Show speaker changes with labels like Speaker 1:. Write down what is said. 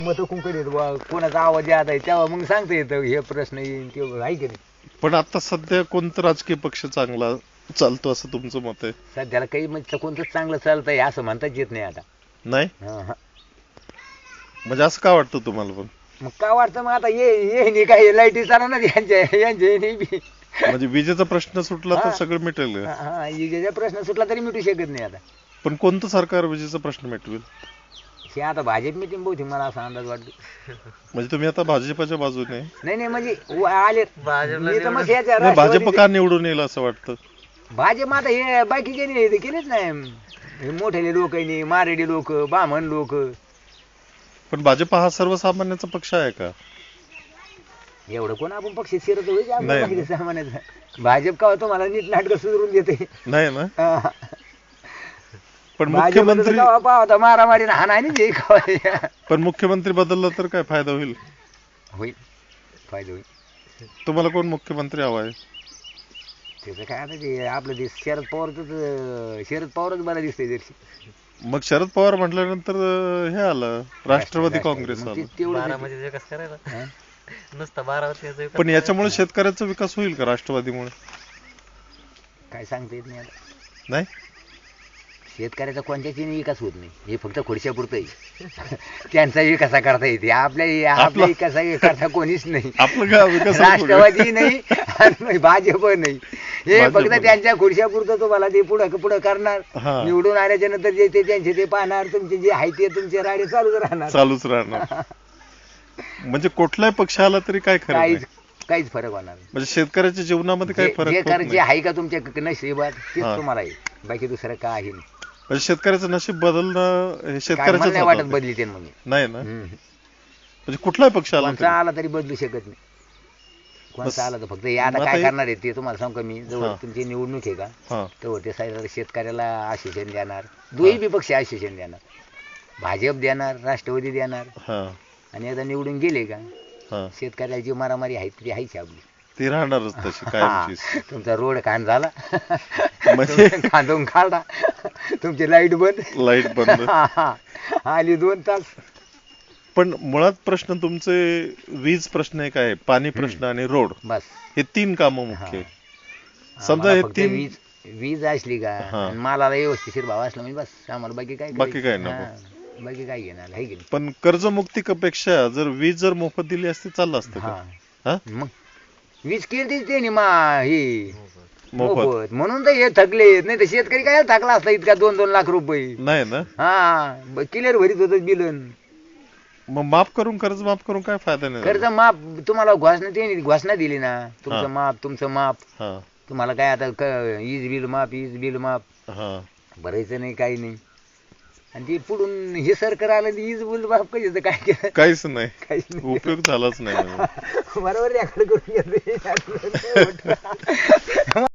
Speaker 1: मत कुंकडे कोणाचा आवाज याद आहे तेव्हा मग सांगता येतं हे प्रश्न येईल किंवा आहे की नाही.
Speaker 2: पण आता सध्या कोणता राजकीय पक्ष चांगला चालतो असं तुमचं मत आहे?
Speaker 1: सध्याला काही म्हणजे कोणतंच चांगलं चालतंय असं म्हणताच येत नाही आता.
Speaker 2: नाही
Speaker 1: हा.
Speaker 2: म्हणजे असं का वाटतं तुम्हाला? पण
Speaker 1: मग का वाटतं मग आता ये नाही काय लाईटी चालू ना यांच्या नाही बी.
Speaker 2: म्हणजे विजेचा प्रश्न सुटला तर
Speaker 1: हा.
Speaker 2: सगळं मिटेल का?
Speaker 1: हा विजेचा प्रश्न सुटला तरी मिटू शकत नाही आता.
Speaker 2: पण कोणतं सरकार विजेचा प्रश्न मिटवेल?
Speaker 1: हे आता भाजप मिटिंग बहुतेक मला असा अंदाज वाटतो.
Speaker 2: म्हणजे तुम्ही आता भाजपाच्या बाजूने आहे?
Speaker 1: नाही म्हणजे आले मी तर मग याच्या
Speaker 2: नाही, भाजप
Speaker 1: राष्ट्रवादी-
Speaker 2: का निवडून येईल असं वाटतं?
Speaker 1: भाजप आता हे बाकीचे नाही हे केलेच नाही. हे मोठेले लोक नाही, मारेडी लोक, बामण लोक.
Speaker 2: पण भाजप हा सर्वसामान्याचा पक्ष आहे का?
Speaker 1: एवढं कोण आपण पक्ष शिरत होईल
Speaker 2: नाही.
Speaker 1: बाकीचे सामान्याचं. भाजप का तुम्हाला नीट नाटक सुधरून देते.
Speaker 2: नाही ना.
Speaker 1: हा.
Speaker 2: पण
Speaker 1: भाजप
Speaker 2: मुख्यमंत्री
Speaker 1: पाहता मारामारी ना हाना नाही जे खावा.
Speaker 2: पण मुख्यमंत्री बदलला तर काय फायदा होईल?
Speaker 1: होईल फायदा होईल.
Speaker 2: तुम्हाला कोण मुख्यमंत्री हवा आहे?
Speaker 1: त्याचं काय आता ते आपलं ते शरद पवारच मला दिसतंय जरशी.
Speaker 2: मग शरद पवार म्हटल्यानंतर हे आलं राष्ट्रवादी काँग्रेस
Speaker 1: मग
Speaker 2: आलं.
Speaker 1: तेवढं
Speaker 3: बारामती विकास करायला
Speaker 1: हा?
Speaker 3: नुसता बारामती
Speaker 2: पण याच्यामुळे शेतकऱ्याचा विकास होईल का राष्ट्रवादीमुळे?
Speaker 1: काय सांगता येत नाही आता.
Speaker 2: नाही.
Speaker 1: शेतकऱ्याचा कोणत्याची विकास होत नाही. हे फक्त खुर्च्यापुरतं आहे. त्यांचा विकास करता येते आपल्या
Speaker 2: आपला-
Speaker 1: विकास करता कोणीच नाही.
Speaker 2: आपलं काय विकास
Speaker 1: राष्ट्रवादी नाही आणि भाजप नाही. हे
Speaker 2: भाजप
Speaker 1: फक्त
Speaker 2: नाही.
Speaker 1: त्यांच्या खुर्च्यापुरतं तुम्हाला ते पुढं करणार.
Speaker 2: हा.
Speaker 1: निवडून आल्याच्या नंतर जे ते त्यांचे ते पाहणार. तुमचे जे आहे ते तुमचे राडे चालूच राहणार.
Speaker 2: चालूच राहणार. म्हणजे कुठल्याही पक्ष आला तरी काय खरं नाही.
Speaker 1: काहीच फरक होणार नाही.
Speaker 2: म्हणजे शेतकऱ्याच्या जीवनामध्ये काही फरक होत
Speaker 1: जे
Speaker 2: नाही.
Speaker 1: आहे का तुमच्या नशिबात तेच
Speaker 2: हा.
Speaker 1: तुम्हाला आहे. बाकी दुसरं काय आहे
Speaker 2: म्हणजे शेतकऱ्याचं नशीब बदलणं हे
Speaker 1: काय मला
Speaker 2: शेतकऱ्याच्याच
Speaker 1: नाही वाटत
Speaker 2: हातात आहे.
Speaker 1: बदली ते म्हणून.
Speaker 2: नाही ना.
Speaker 1: हम्म.
Speaker 2: म्हणजे कुठलाही पक्ष आला
Speaker 1: कोणता
Speaker 2: तरी.
Speaker 1: आला तरी बदलू शकत नाही.
Speaker 2: बस.
Speaker 1: कोणता आला तर फक्त हे आता
Speaker 2: मग
Speaker 1: काय
Speaker 2: आता हे-
Speaker 1: करणार आहे ते तुम्हाला सांगू का मी. जवळ
Speaker 2: हा.
Speaker 1: तुमची निवडणूक आहे का
Speaker 2: हा.
Speaker 1: तेव्हा ते साईड शेतकऱ्याला आश्वासन देणार. दोन्ही बी पक्ष आश्वासन देणार. भाजप देणार, राष्ट्रवादी देणार.
Speaker 2: हा.
Speaker 1: आणि एकदा निवडून गेले का
Speaker 2: हा.
Speaker 1: शेतकऱ्याला जी मारामारी आहे ती आहेच आपली.
Speaker 2: ती राहणारच तशी
Speaker 1: हा.
Speaker 2: कायमची.
Speaker 1: तुमचा रोड खाण झाला
Speaker 2: म्हणजे-
Speaker 1: तुमचं खांदून काढा. तुमची लाईट बंद.
Speaker 2: लाईट बंद.
Speaker 1: आली 2 तास.
Speaker 2: पण मुळात प्रश्न तुमचे वीज प्रश्न एक आहे, पाणी प्रश्न आणि रोड,
Speaker 1: बस
Speaker 2: हे 3 कामं मुख्य आहे. समजा
Speaker 1: आम्हाला
Speaker 2: हे
Speaker 1: फक्त
Speaker 2: 3
Speaker 1: वीज असली का
Speaker 2: हा.
Speaker 1: आणि मला व्यवस्थित भाव असला म्हणजे बस आम्हाला बाकी काय
Speaker 2: बाकी काय
Speaker 1: करायचं?
Speaker 2: नको.
Speaker 1: हा. बाकी काय घेणार आहे की नाही.
Speaker 2: पण कर्जमुक्तीपेक्षा जर वीज जर मोफत दिली असती चाललं असतं
Speaker 1: हा.
Speaker 2: का? हा?
Speaker 1: मग वीज केली ते ही
Speaker 2: मोफत
Speaker 1: मोफत म्हणून तर हे थकले. नाही तर शेतकरी काय थकला असता इतका 2-2 लाख रुपये.
Speaker 2: नाही ना.
Speaker 1: हा क्लिअर भरीत होत बिलन.
Speaker 2: मग माफ करून कर्ज माफ करून काय फायदा नाही
Speaker 1: कर्ज
Speaker 2: झाला?
Speaker 1: माफ तुम्हाला घोषणा दिली ना. तुमचं
Speaker 2: हा.
Speaker 1: माफ तुमचं माफ.
Speaker 2: हा.
Speaker 1: तुम्हाला काय आता वीज बिल माफ
Speaker 2: हा.
Speaker 1: भरायचं नाही काही नाही. आणि ते पुढून हे सरकार आलं आणि वीज बिल माफ करायचं काय केलं
Speaker 2: काहीच नाही.
Speaker 1: काहीच नाही.
Speaker 2: उपयोग झालाच नाही म्हणजे.
Speaker 1: बरोबर रेकॉर्ड करून घेतलं.